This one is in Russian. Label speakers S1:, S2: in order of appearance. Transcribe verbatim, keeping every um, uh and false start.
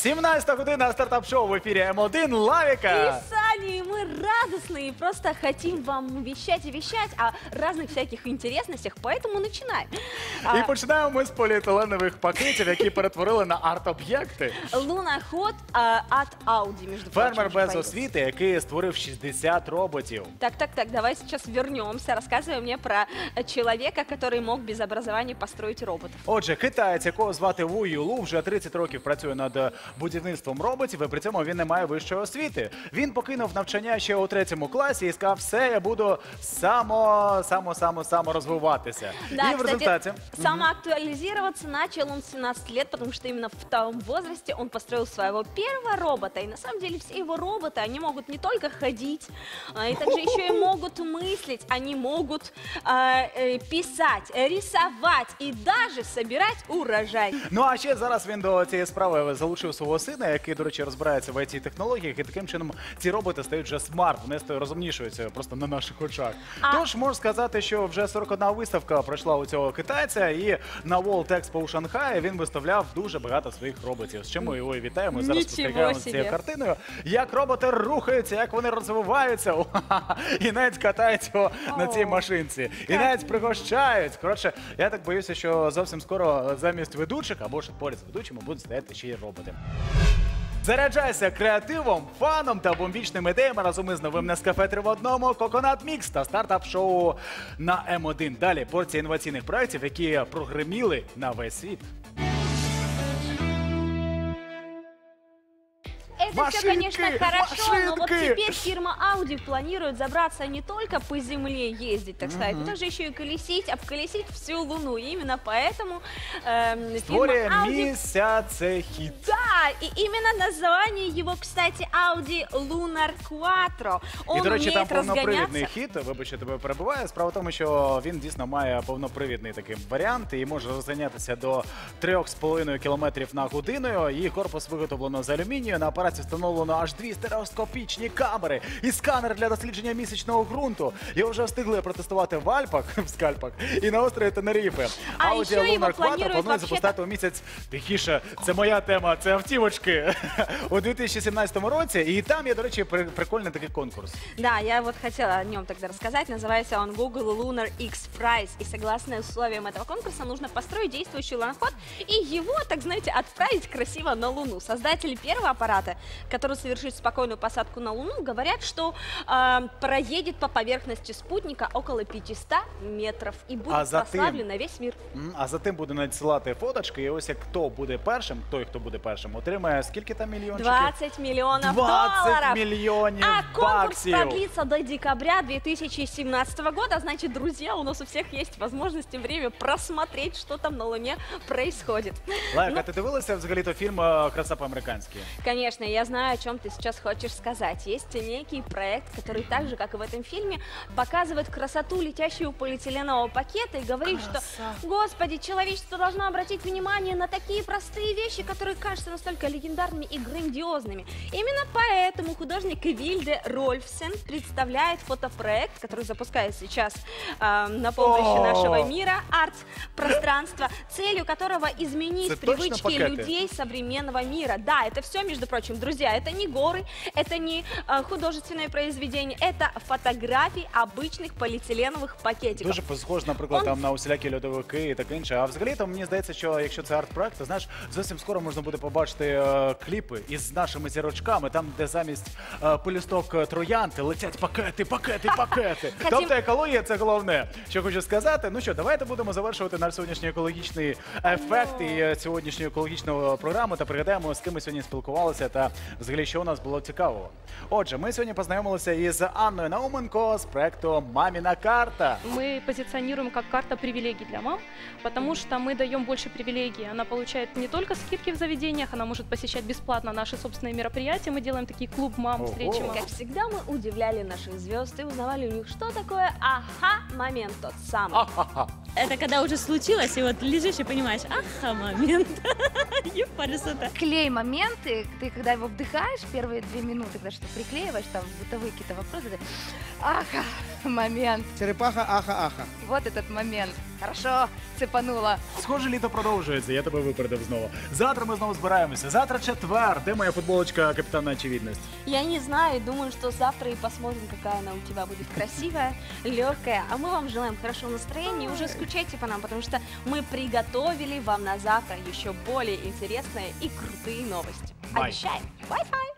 S1: сімнадцята година, стартап-шоу в эфире эм один Лавика.
S2: И Саня, и мы радостные, просто хотим вам вещать и вещать о разных всяких интересностях, поэтому начинаем.
S1: І починаємо ми з поліетиленових пакетів, які перетворили на арт-об'єкти.
S2: Луноход а, от Audi, между прочим.
S1: Фермер без освіти, який створив шістдесят роботів.
S2: Так, так, так, давай сейчас вернемся. Рассказывай мне про человека, который мог без образования построить роботов.
S1: Отже, китаєць, якого звати Ву Юлу, вже тридцять років працює над будівництвом роботів, і при цьому він не має вищої освіти. Він покинув навчання ще у третьому класі і сказав, все, я буду само, само, само, само розвиватися.
S2: Да,
S1: і в
S2: кстати,
S1: результаті...
S2: самоактуализироваться начал он в семнадцать лет, потому что именно в том возрасте он построил своего первого робота. И на самом деле все его роботы, они могут не только ходить, а, и также еще и могут мыслить, они могут а, э, писать, рисовать и даже собирать урожай.
S1: Ну а ще зараз він до цієї справи залучив свого сина, який, до речі, розбирається в ай ті-технологіях, і таким чином ці роботи стають вже смарт, вони розумнішуються просто на наших очах.
S2: А...
S1: Тож, можу сказати, що вже сорок одна виставка пройшла у цього китайця, і на World Expo у Шанхаї він виставляв дуже багато своїх роботів, з чим ми його і вітаємо. Ми зараз спостерігаємо з цією картиною, як роботи рухаються, як вони розвиваються, і навіть катають його на цій машинці, і навіть пригощають. Коротше, я так боюся, що зовсім скоро замість ведучих, або ж поряд з ведучими будуть стояти ще й роботи. Заряджайся креативом, фаном та бомбічними ідеями разом із новим Нескафе три в одному, Коконат Мікс та стартап-шоу на ем один. Далі порція інноваційних проєктів, які прогреміли на весь світ.
S2: Это
S1: машинки,
S2: все, конечно, хорошо,
S1: машинки.
S2: но вот теперь фирма Audi планирует забраться не только по земле ездить, так сказать, но также еще и колесить, обколесить всю Луну. И именно поэтому э, фирма Audi...
S1: Місяцехід.
S2: Да, и именно название его, кстати, Audi Lunar Quattro. Он
S1: І, до речі, там
S2: умеет
S1: повнопривідний
S2: разгоняться.
S1: хід, вибачте, тебе перебуває. Справа в тому, що він дійсно має повнопривідний такий варіант і може розганятися до три з половиною кілометрів на годину. Її корпус виготовлено з алюмінію. На апараті встановлено аж дві стереоскопічні камери і сканер для дослідження місячного ґрунту. Його вже встигли протестувати в Альпах, в скальпах і на острові Тенеріфе.
S2: А
S1: Audi
S2: ще його
S1: Lunar Quattro
S2: планують
S1: планують
S2: вообще-то-
S1: запускати у місяць, тихіше, це моя тема, це автівочки, у дві тисячі сімнадцятому році. І там є, до речі, при- прикольний такий конкурс.
S2: Да, я вот хотела о нем тогда рассказать. Называется он Google Lunar X Prize. И согласно условиям этого конкурса нужно построить действующий луноход и его, так знаете, отправить красиво на Луну. Создатели первого аппарата, который совершит спокойную посадку на Луну, говорят, что э, проедет по поверхности спутника около пятисот метров и будет
S1: А затем-
S2: прославлен на весь мир.
S1: М, А за тим буде надсилати фоточки, і ось як хто буде першим, той, хто буде першим, отримає скільки там мільйончиків?
S2: двадцать миллионов
S1: двадцять
S2: долларов.
S1: мільйонів
S2: А конкурс
S1: баксів!
S2: продлится до декабря две тысячи семнадцатого года. Значит, друзья, у нас у всех есть возможность и время просмотреть, что там на Луне происходит.
S1: Лайка,
S2: Ну,
S1: ти дивилася взагалі-то фільм е, «Краса по-американськи»?
S2: Конечно, я знаю, о чем ты сейчас хочешь сказать. Есть некий проект, который так же, как и в этом фильме, показывает красоту летящего полиэтиленового пакета и говорит, что, господи, человечество должно обратить внимание на такие простые вещи, которые кажутся настолько легендарными и грандиозными. Именно поэтому художник Вильде Рольфсен представляет фотопроект, который запускает сейчас э, на помощи
S1: О!
S2: нашего мира, арт-пространство, целью которого изменить
S1: Это точно
S2: привычки
S1: пакеты?
S2: людей современного мира. Да, это все, между прочим, друзья, это не горы, это не э, художественное произведение, это фотографии обычных полиэтиленовых пакетиков.
S1: Дуже схож, наприклад,
S2: Он-
S1: там на усілякі льодовики і таке інше. А взагалі там мені здається, що якщо це арт-проект, то знаєш, зовсім скоро можна буде побачити е, кліпи із нашими зірочками, там, де замість е, пелюсток е, троянди летять пакети, пакети, пакети.
S2: Хотім-
S1: Тобто екологія це головне, що хочу сказати. Ну що, давайте будемо завершувати наш сьогоднішній екологічний ефект і е, сьогоднішню екологічну програму та пригадаємо, з ким ми сьогодні спілкувалися та взагалі, що у нас було цікавого. Отже, ми сьогодні познайомилися із Анною Науменко з проекту «Мамина карта».
S3: Мы позиционируем как карта привилегий для мам, потому что мы даем больше привилегий. Она получает не только скидки в заведениях, она может посещать бесплатно наши собственные мероприятия. Мы делаем такие клуб мам,
S1: Ого.
S3: встречи мам.
S2: Как всегда, мы удивляли наших звезд и узнавали у них, что такое ага-момент тот самый.
S1: Ха-ха-ха.
S4: Это когда уже случилось, и вот лежишь и понимаешь, ага, момент. Клей моменты, ты когда его вдыхаешь, первые две минуты, когда что приклеиваешь, там бытовые какие-то вопросы, ты, аха, момент.
S5: Черепаха, аха, аха.
S4: Вот этот момент. Хорошо, цепанула.
S1: Схоже, літо продовжується, я тебе випередив знову. Завтра ми знову збираємося. Завтра четвер. Де моя футболочка капітана очевидність?
S2: Я не знаю, думаю, что завтра и посмотрим, какая она у тебя будет красивая, легкая. А мы вам желаем хорошего настроения и уже скучайте по нам, потому что мы приготовили вам на завтра еще более интересные и крутые новости.
S1: Бай.
S2: Обещаем. Bye-bye.